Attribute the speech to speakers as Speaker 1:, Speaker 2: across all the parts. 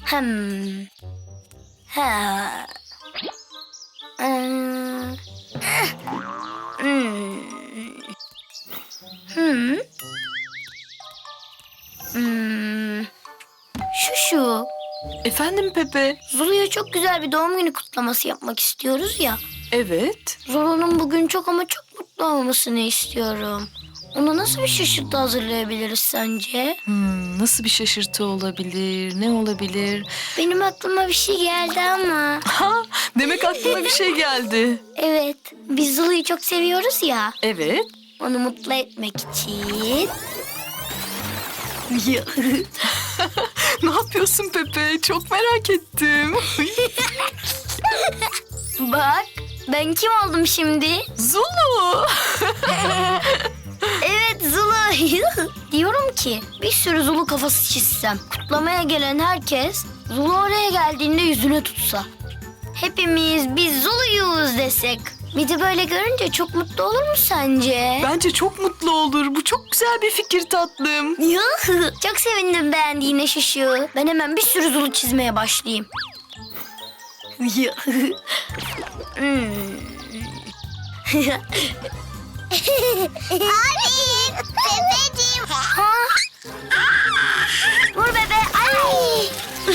Speaker 1: Ha. Şu.
Speaker 2: Efendim Pepe?
Speaker 1: Zulu'ya çok güzel bir doğum günü kutlaması yapmak istiyoruz ya.
Speaker 2: Evet.
Speaker 1: Zulu'nun bugün çok ama çok mutlu olmasını istiyorum. Ona nasıl bir şaşırtı hazırlayabiliriz sence?
Speaker 2: Nasıl bir şaşırtı olabilir? Ne olabilir?
Speaker 1: Benim aklıma bir şey geldi ama.
Speaker 2: Ha, demek aklına bir şey geldi.
Speaker 1: Evet, biz Zulu'yu çok seviyoruz ya.
Speaker 2: Evet.
Speaker 1: Onu mutlu etmek için.
Speaker 2: Ne yapıyorsun Pepe? Çok merak ettim.
Speaker 1: Bak, ben kim oldum şimdi?
Speaker 2: Zulu.
Speaker 1: Evet, Zulu. Diyorum ki bir sürü Zulu kafası çizsem. Kutlamaya gelen herkes Zulu oraya geldiğinde yüzüne tutsa. Hepimiz biz Zulu'yuz desek. Bir de böyle görünce çok mutlu olur mu sence?
Speaker 2: Bence çok mutlu olur. Bu çok güzel bir fikir tatlım.
Speaker 1: Çok sevindim beğendiğine Şuşu. Ben hemen bir sürü Zulu çizmeye başlayayım.
Speaker 3: Abi, Pepeciğim.
Speaker 1: Vur bebe. Ay.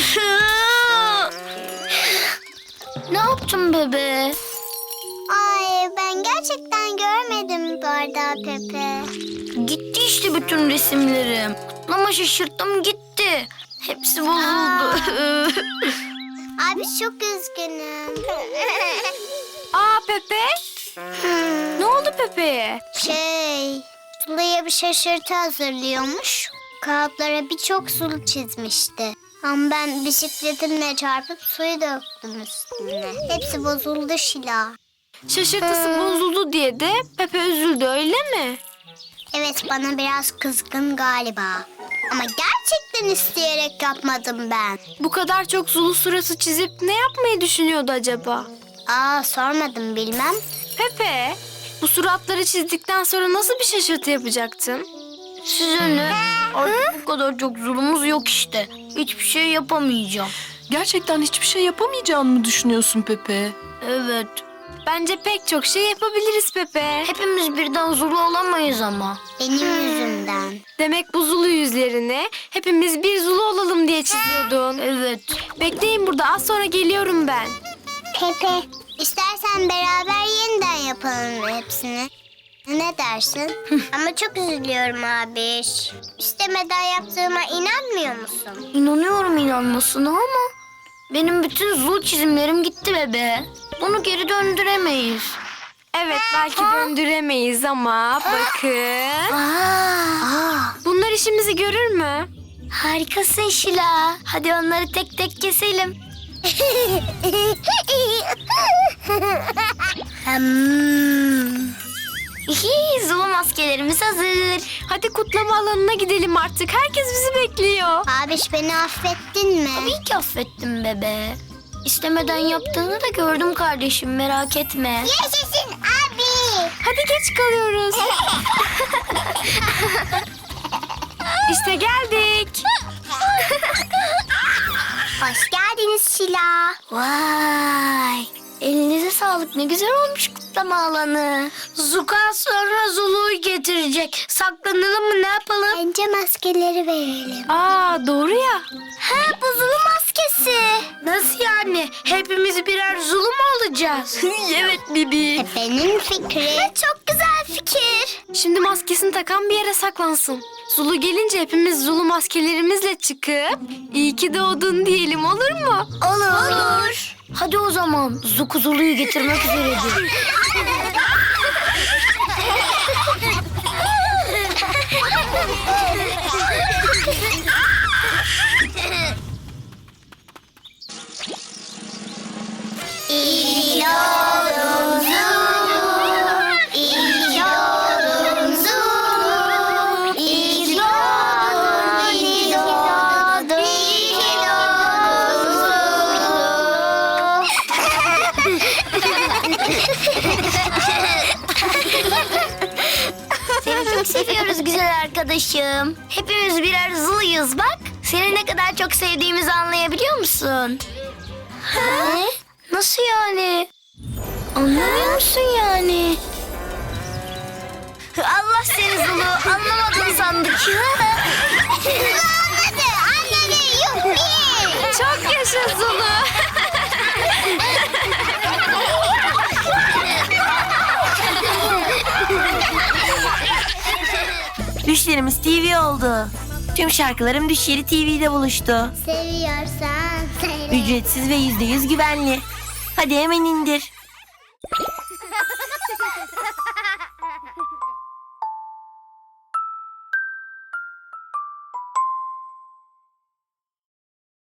Speaker 1: Ne yaptın bebe?
Speaker 3: Ay, ben gerçekten görmedim bardağı Pepe.
Speaker 1: Gitti işte bütün resimlerim. Kutlama şaşırttım gitti. Hepsi bozuldu.
Speaker 3: Abi çok üzgünüm.
Speaker 1: Aa Pepe. Ne oldu Pepe'ye?
Speaker 3: Sulu'ya bir şaşırtı hazırlıyormuş. Kağıtlara birçok sulu çizmişti. Ama ben bisikletimle çarpıp suyu döktüm üstüne. Hepsi bozuldu Şila.
Speaker 1: Şaşırtısı bozuldu diye de Pepe üzüldü öyle mi?
Speaker 3: Evet, bana biraz kızgın galiba. Ama gerçekten isteyerek yapmadım ben.
Speaker 1: Bu kadar çok Zulu suratı çizip ne yapmayı düşünüyordu acaba?
Speaker 3: Sormadım, bilmem.
Speaker 1: Pepe, bu suratları çizdikten sonra nasıl bir şaşırtı yapacaktın? Size ne? Artık bu kadar çok zulumuz yok işte. Hiçbir şey yapamayacağım.
Speaker 2: Gerçekten hiçbir şey yapamayacağını mı düşünüyorsun Pepe?
Speaker 1: Evet. Bence pek çok şey yapabiliriz Pepe. Hepimiz birden Zulu olamayız ama.
Speaker 3: Benim yüzümden.
Speaker 1: Demek bu Zulu yüzlerini hepimiz bir Zulu olalım diye çiziyordun. Evet. Bekleyin burada, az sonra geliyorum ben.
Speaker 3: Pepe, istersen beraber yeniden yapalım hepsini. Ne dersin? Ama çok üzülüyorum abi. İstemeden yaptığıma inanmıyor musun?
Speaker 1: İnanıyorum inanmasına ama benim bütün Zulu çizimlerim gitti bebe. Bunu geri döndüremeyiz. Evet, belki döndüremeyiz ama bakın. Bunlar işimizi görür mü? Harikasın Şila. Hadi onları tek tek keselim. Zulu maskelerimiz hazır. Hadi kutlama alanına gidelim artık. Herkes bizi bekliyor.
Speaker 3: Abiş, beni affettin mi?
Speaker 1: Tabii ki affettim bebe. İstemeden yaptığını da gördüm kardeşim, merak etme.
Speaker 3: Yaşasın abi.
Speaker 1: Hadi geç kalıyoruz. İşte geldik.
Speaker 3: Hoş geldiniz Şila.
Speaker 1: Vay. Elinize sağlık, ne güzel olmuş kutlama alanı. Zuka sonra Zulu'yu getirecek. Saklanalım mı, ne yapalım?
Speaker 3: Bence maskeleri verelim.
Speaker 1: Doğru ya. Bu Zulu maskesi. Nasıl yani? Hepimiz birer Zulu mu olacağız? Evet Bibi.
Speaker 3: Pepe'nin fikri.
Speaker 1: Çok güzel fikir. Şimdi maskesini takan bir yere saklansın. Zulu gelince hepimiz Zulu maskelerimizle çıkıp iyi ki doğdun diyelim, olur mu? Olur. Hadi o zaman Zuku Zulu'yu getirmek üzeredir.
Speaker 3: İyi oldun Zulu, iyi oldun Zulu, iyi doğdun, iyi doğdun, iyi doğdun Zulu.
Speaker 1: Seni çok seviyoruz güzel arkadaşım. Hepimiz birer Zulu'yuz bak. Seni ne kadar çok sevdiğimizi anlayabiliyor musun? Ne? Nasıl yani? Anlamıyor musun yani? Allah seni Zulu, anlamadın sandık.
Speaker 3: Anladı, yuppi.
Speaker 1: Çok yaşa Zulu.
Speaker 4: Düşlerimiz TV oldu. Tüm şarkılarım Düşleri TV'de buluştu.
Speaker 3: Seviyorsan söyle.
Speaker 4: Ücretsiz ve %100 güvenli. Hadi hemen indir.